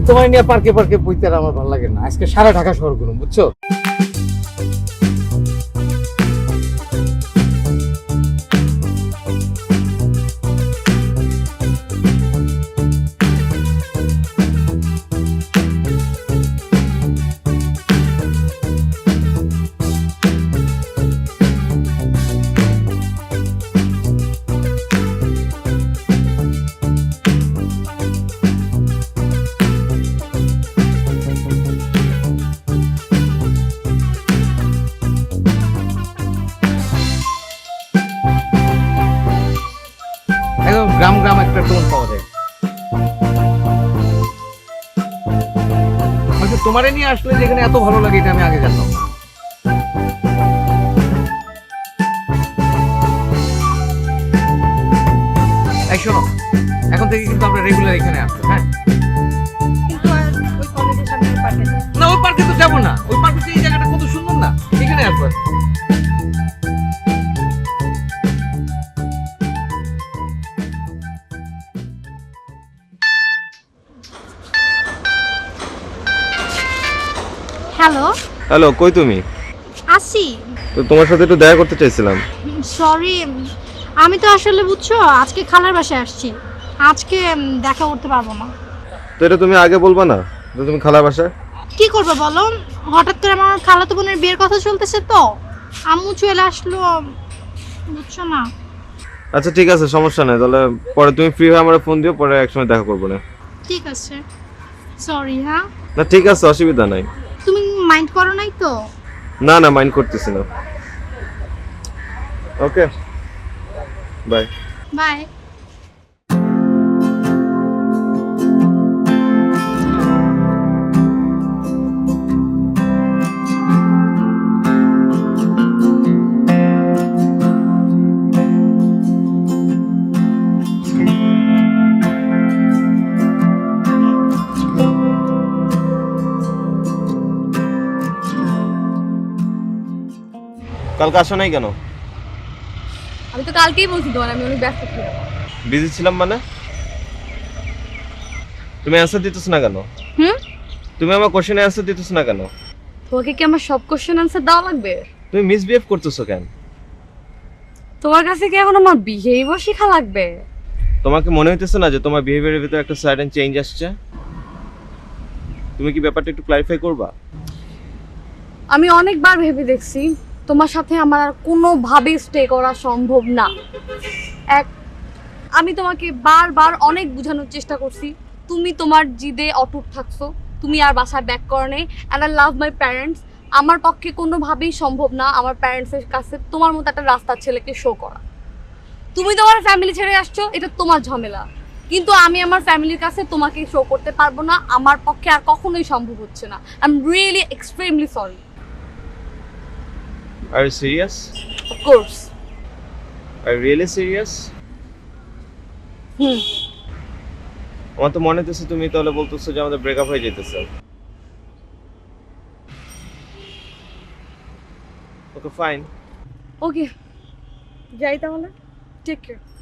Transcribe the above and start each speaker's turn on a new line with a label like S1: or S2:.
S1: তোমার নিয়ে পার্কে পার্কে বইতে আর আমার ভালো লাগে না। আজকে সারা ঢাকা শহর ঘুরুম, বুঝছো? একদম গ্রাম গ্রাম একটা টোন পাওয়া যায়। আচ্ছা, তোমারে নিয়ে আসলে যেখানে এত ভালো লাগে এটা আমি আগে জানতাম না। এই শোনো, এখন থেকে কিন্তু আমরা রেগুলার এখানে আসবো, হ্যাঁ?
S2: কিন্তু আর ওই কলেজের সামনে পার্কে
S1: না, ওই পার্কে তো যাবো না। ওই পার্কে এই জায়গাটা কত সুন্দর না, এখানে আসবো।
S2: হ্যালো,
S3: হ্যালো, কই তুমি?
S2: আসি।
S3: তো তোমার সাথে একটু দেখা করতে চাইছিলাম।
S2: সরি, আমি তো আসলে বুঝছো আজকে খালার বাসায় আসছি। আজকে দেখা করতে পারবো না।
S3: তো এটা তুমি আগে বলবা না যে তুমি খালার বাসায়?
S2: কি করবো বলো, হঠাৎ করে আমার খালাতো বোনের বিয়ের কথা চলতেছে তো আম্মু চলে আসলো, বুঝছো না।
S3: আচ্ছা ঠিক আছে, সমস্যা নাই। তাহলে পরে তুমি ফ্রি হয়ে আমার ফোন দিও, পরে একসময় দেখা করবো না।
S2: ঠিক আছে, সরি। হ্যাঁ,
S3: না ঠিক আছে, অসুবিধা নাই।
S2: তুমি মাইন্ড করো নাই তো?
S3: না না, মাইন্ড করতেছি না। Okay, bye.
S2: বাই।
S3: কালকে আসো নাই কেন?
S4: আমি তো কালকেই বলছি তোমার আমি অনেক ব্যস্ত ছিলাম।
S3: বিজি ছিলাম মানে? তুমি অ্যান্সার দিতেছ না কেন? তুমি আমার কোশ্চেনে অ্যান্সার দিতেছ না কেন?
S4: তোমাকে কি আমার সব কোশ্চেন আনসার দেওয়া লাগবে?
S3: তুমি মিসবিহেভ করতেছো কেন?
S4: তোমার কাছে কি এখন আমার বিহেভিয়ার শেখা লাগবে?
S3: তোমাকে মনে হইতেছে না যে তোমার বিহেভিয়ারের ভিতরে একটা সাডেন চেঞ্জ আসছে? তুমি কি ব্যাপারটা একটু ক্লারিফাই করবা?
S4: আমি অনেকবার ভেবে দেখছি তোমার সাথে আমার আর কোনোভাবেই স্টে করা সম্ভব না। আমি তোমাকে বারবার অনেক বোঝানোর চেষ্টা করছি, তুমি তোমার জিদে অটুট থাকছো, তুমি আর বাসায় ব্যাক করো নেই। And I love my parents. আমার পক্ষে কোনোভাবেই সম্ভব না আমার প্যারেন্টসের কাছে তোমার মতো একটা রাস্তার ছেলেকে শো করা। তুমি তোমার ফ্যামিলি ছেড়ে আসছো, এটা তোমার ঝামেলা, কিন্তু আমি আমার ফ্যামিলির কাছে তোমাকে শো করতে পারবো না। আমার পক্ষে আর কখনোই সম্ভব হচ্ছে না। I am really extremely sorry.
S3: Are you serious?
S4: অফ কোর্স।
S3: আর রিয়েলি সিরিয়াস? আমার তো মনে হচ্ছে তুমি তাহলে বলতেছো যে আমাদের ব্রেকআপ হয়ে যেতেছে। Okay fine.
S4: ওকে, যাই তাহলে। Take care.